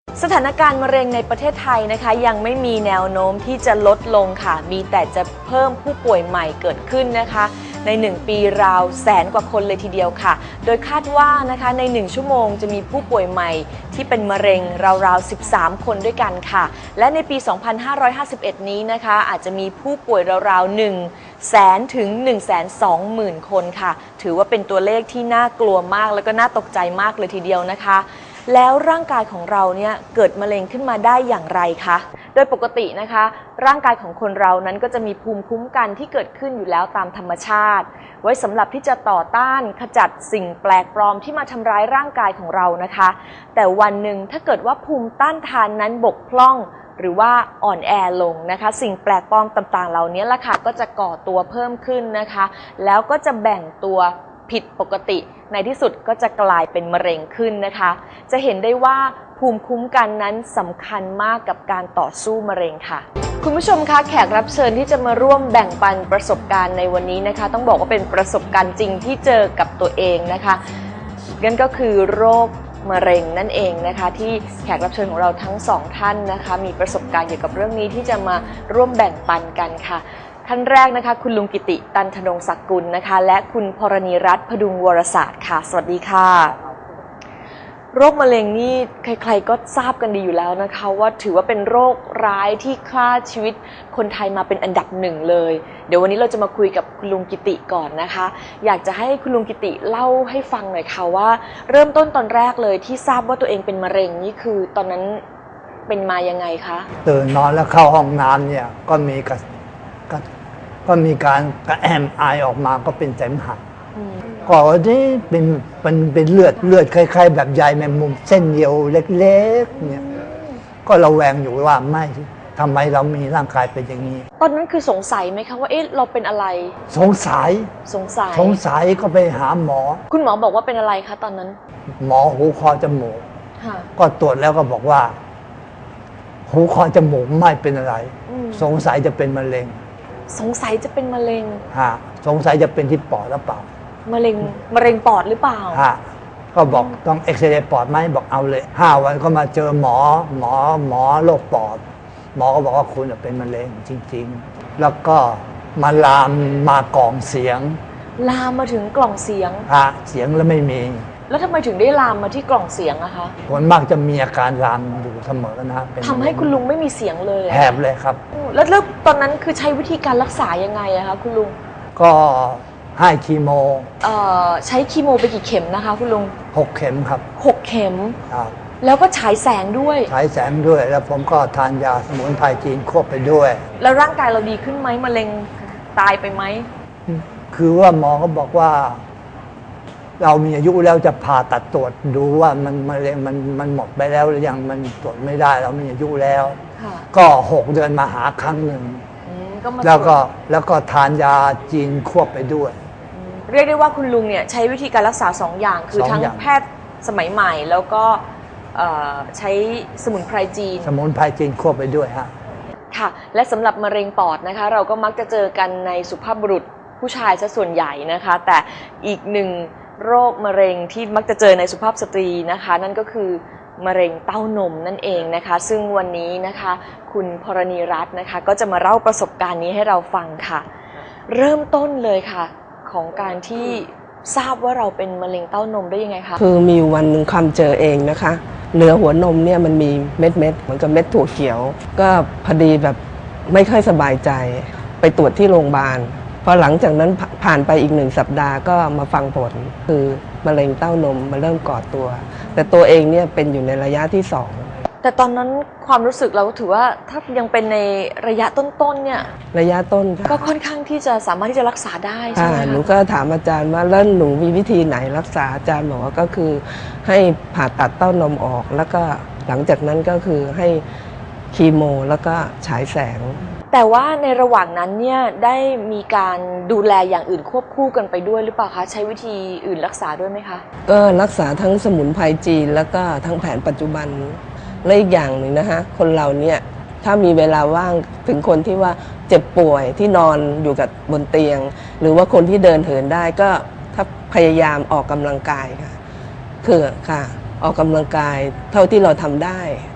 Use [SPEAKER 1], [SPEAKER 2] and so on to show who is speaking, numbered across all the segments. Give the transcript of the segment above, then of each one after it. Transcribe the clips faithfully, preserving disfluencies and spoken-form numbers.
[SPEAKER 1] สถานการณ์มะเร็งในประเทศไทยนะคะยังไม่มีแนวโน้มที่จะลดลงค่ะมีแต่จะเพิ่มผู้ป่วยใหม่เกิดขึ้นนะคะในหนึ่งปีราวแสนกว่าคนเลยทีเดียวค่ะโดยคาดว่านะคะในหนึ่งชั่วโมงจะมีผู้ป่วยใหม่ที่เป็นมะเร็งราวๆสิบสามคนด้วยกันค่ะและในปีสองพันห้าร้อยห้าสิบเอ็ดนี้นะคะอาจจะมีผู้ป่วยราวๆหนึ่งแสนถึง หนึ่งแสนสองหมื่น คนค่ะถือว่าเป็นตัวเลขที่น่ากลัวมากแล้วก็น่าตกใจมากเลยทีเดียวนะคะแล้วร่างกายของเราเนี่ยเกิดมะเร็งขึ้นมาได้อย่างไรคะโดยปกตินะคะร่างกายของคนเรานั้นก็จะมีภูมิคุ้มกันที่เกิดขึ้นอยู่แล้วตามธรรมชาติไว้สำหรับที่จะต่อต้านขจัดสิ่งแปลกปลอมที่มาทำร้ายร่างกายของเรานะคะแต่วันหนึ่งถ้าเกิดว่าภูมิต้านทานนั้นบกพร่องหรือว่าอ่อนแอลงนะคะสิ่งแปลกปลอมต่างๆเหล่านี้ล่ะค่ะก็จะก่อตัวเพิ่มขึ้นนะคะแล้วก็จะแบ่งตัวผิดปกติในที่สุดก็จะกลายเป็นมะเร็งขึ้นนะคะจะเห็นได้ว่าภูมิคุ้มกันนั้นสำคัญมากกับการต่อสู้มะเร็งค่ะคุณผู้ชมคะแขกรับเชิญที่จะมาร่วมแบ่งปันประสบการณ์ในวันนี้นะคะต้องบอกว่าเป็นประสบการณ์จริงที่เจอกับตัวเองนะคะนั่นก็คือโรคมะเร็งนั่นเองนะคะที่แขกรับเชิญของเราทั้งสองท่านนะคะมีประสบการณ์เกี่ยวกับเรื่องนี้ที่จะมาร่วมแบ่งปันกันค่ะท่านแรกนะคะคุณลุงกิติตันธนงศักดิ์กุลนะคะและคุณพรณีรัตน์พดุงวรศาสตร์ค่ะสวัสดีค่ะโรคมะเร็งนี่ใครๆก็ทราบกันดีอยู่แล้วนะคะว่าถือว่าเป็นโรคร้ายที่ฆ่าชีวิตคนไทยมาเป็นอันดับหนึ่งเลยเดี๋ยววันนี้เราจะมาคุยกับคุณลุงกิติก่อนนะคะอยากจะให้คุณลุงกิติเล่าให้ฟังหน่อยค่ะว่าเริ่มต้นตอนแรกเลยที่ทราบว่าตัวเองเป็นมะเร็งนี่คือตอนนั้นเป็นมายังไงคะ
[SPEAKER 2] ตื่นนอนแล้วเข้าห้องน้ำเนี่ยก็มีกระก็มีการกระแอมไอออกมาก็เป็นเสมหะก็ที่เป็นเป็นเป็นเลือดเลือดคล้ายๆแบบใยแมงมุมเส้นเดียวเล็กๆเนี่ยก็ระแวงอยู่ว่าไม่ทำไมเรามีร่างกายเป็นอย่างนี้
[SPEAKER 1] ตอนนั้นคือสงสัยไหมคะว่าเอ๊ะเราเป็นอะไร
[SPEAKER 2] สงสัย
[SPEAKER 1] สงสัย
[SPEAKER 2] สงสัยก็ไปหาหมอ
[SPEAKER 1] คุณหมอบอกว่าเป็นอะไรคะตอนนั้น
[SPEAKER 2] หมอหูคอจมูกก็ตรวจแล้วก็บอกว่าหูคอจมูกไม่เป็นอะไรสงสัยจะเป็นมะเร็ง
[SPEAKER 1] สงสัยจะเป็นมะเร็ง
[SPEAKER 2] ฮะสงสัยจะเป็นที่ปอดหรือเปล่าม
[SPEAKER 1] ะเร็งมะเร็งปอดหรือเปล่า
[SPEAKER 2] ฮะก็บอกต้องเอ็กซเรย์ปอดไหมบอกเอาเลยห้าวันก็มาเจอหมอหมอหมอโรคปอดหมอก็บอกว่าคุณเป็นมะเร็งจริงๆแล้วก็มาลามมากล่องเสียง
[SPEAKER 1] ลามมาถึงกล่องเสียง
[SPEAKER 2] ฮะเสียงแล้วไม่มี
[SPEAKER 1] แล้วทำไมถึงได้ลามมาที่กล่องเสียงอะคะ
[SPEAKER 2] คนมากจะมีอาการลามอยู่เสมอนะ
[SPEAKER 1] ทำให้คุณลุงไม่มีเสียงเลย
[SPEAKER 2] แหบเลยครับ
[SPEAKER 1] แล้วแล้วตอนนั้นคือใช้วิธีการรักษายังไงอะคะคุณลุง
[SPEAKER 2] ก็ให้คีโม
[SPEAKER 1] เอ่อใช้คีโมไปกี่เข็มนะคะคุณลุง
[SPEAKER 2] หกเข็มครับ
[SPEAKER 1] หกเข็ม
[SPEAKER 2] ครับ
[SPEAKER 1] แล้วก็ฉายแสงด้วย
[SPEAKER 2] ฉายแสงด้วยแล้วผมก็ทานยาสมุนไพรจีนควบไปด้วย
[SPEAKER 1] แล้วร่างกายเราดีขึ้นไหมมะเร็งตายไปไหม
[SPEAKER 2] คือว่าหมอก็บอกว่าเรามีอายุแล้วจะผ่าตัดตรวจดูว่ามันมะเร็งมันมันหมดไปแล้วหรือยังมันตรวจไม่ได้เรามีอายุแล้วก็หกเดือนมาหาครั้งหนึ่งแล้วก็แล้วก็ทานยาจีนควบไปด้วย
[SPEAKER 1] เรียกได้ว่าคุณลุงเนี่ยใช้วิธีการรักษาสองอย่างคือทั้งแพทย์สมัยใหม่แล้วก็ใช้สมุนไพรจีน
[SPEAKER 2] สมุนไพรจีนควบไปด้วยฮะ
[SPEAKER 1] ค่ะและสำหรับมะเร็งปอดนะคะเราก็มักจะเจอกันในสุภาพบุรุษผู้ชายซะส่วนใหญ่นะคะแต่อีกหนึ่งโรคมะเร็งที่มักจะเจอในสุภาพสตรีนะคะนั่นก็คือมะเร็งเต้านมนั่นเองนะคะซึ่งวันนี้นะคะคุณพรณีรัตน์นะคะก็จะมาเล่าประสบการณ์นี้ให้เราฟังค่ะเริ่มต้นเลยค่ะของการที่ทราบว่าเราเป็นมะเร็งเต้านมได้ยังไงคะ
[SPEAKER 3] คือมีวันหนึ่งคำเจอเองนะคะเนื้อหัวนมเนี่ยมันมีเม็ดเม็ดเหมือนกับเม็ดถั่วเขียวก็พอดีแบบไม่ค่อยสบายใจไปตรวจที่โรงพยาบาลพอหลังจากนั้นผ่านไปอีกหนึ่งสัปดาห์ก็มาฟังผลคือมะเร็งเต้านมมาเริ่มก่อตัวแต่ตัวเองเนี่ยเป็นอยู่ในระยะที่สอง
[SPEAKER 1] แต่ตอนนั้นความรู้สึกเราถือว่าถ้ายังเป็นในระยะต้นๆเนี่ย
[SPEAKER 3] ระยะต้น
[SPEAKER 1] ก็ค่อนข้างที่จะสามารถที่จะรักษาได้ใช่ไหมคะ
[SPEAKER 3] หนูก็ถามอาจารย์ว่าแล้วหนูมีวิธีไหนรักษาอาจารย์บอกว่าก็คือให้ผ่าตัดเต้านมออกแล้วก็หลังจากนั้นก็คือให้คีโมแล้วก็ฉายแสง
[SPEAKER 1] แต่ว่าในระหว่างนั้นเนี่ยได้มีการดูแลอย่างอื่นควบคู่กันไปด้วยหรือเปล่าคะใช้วิธีอื่นรักษาด้วยไหมคะ
[SPEAKER 3] ก็รักษาทั้งสมุนไพรจีนแล้วก็ทั้งแผนปัจจุบันและอีกอย่างหนึ่งนะคะคนเราเนี่ยถ้ามีเวลาว่างถึงคนที่ว่าเจ็บป่วยที่นอนอยู่กับบนเตียงหรือว่าคนที่เดินเหินได้ก็ถ้าพยายามออกกำลังกายค่ะคือค่ะออกกำลังกายเท่าที่เราทำได้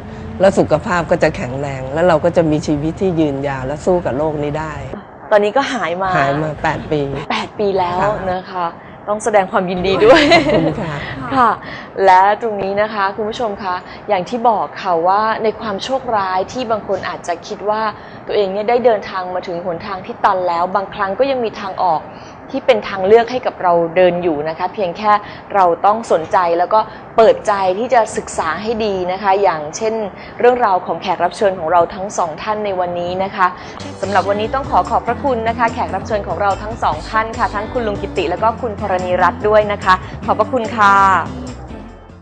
[SPEAKER 3] แล้วสุขภาพก็จะแข็งแรง แล้วเราก็จะมีชีวิตที่ยืนยาวและสู้กับโรคนี้ได้
[SPEAKER 1] ตอนนี้ก็หายมา
[SPEAKER 3] หายมาแปดปี
[SPEAKER 1] แปดปีแล้ว
[SPEAKER 3] ค่ะ
[SPEAKER 1] นะคะ ต้องแสดงความยินดีด้วย
[SPEAKER 3] ขอบคุณค่ะ
[SPEAKER 1] ค่ะ และตรงนี้นะคะคุณผู้ชมคะอย่างที่บอกค่ะว่าในความโชคร้ายที่บางคนอาจจะคิดว่าตัวเองเนี่ยได้เดินทางมาถึงหนทางที่ตันแล้ว บางครั้งก็ยังมีทางออกที่เป็นทางเลือกให้กับเราเดินอยู่นะคะ เพียงแค่เราต้องสนใจแล้วก็เปิดใจที่จะศึกษาให้ดีนะคะ อย่างเช่นเรื่องราวของแขกรับเชิญของเราทั้งสองท่านในวันนี้นะคะสำหรับวันนี้ต้องขอขอบพระคุณนะคะ แขกรับเชิญของเราทั้งสองท่านค่ะทั้งคุณลุงกิติแล้วก็คุณธรณีรัตน์ด้วยนะคะ ขอบพระคุณค่ะ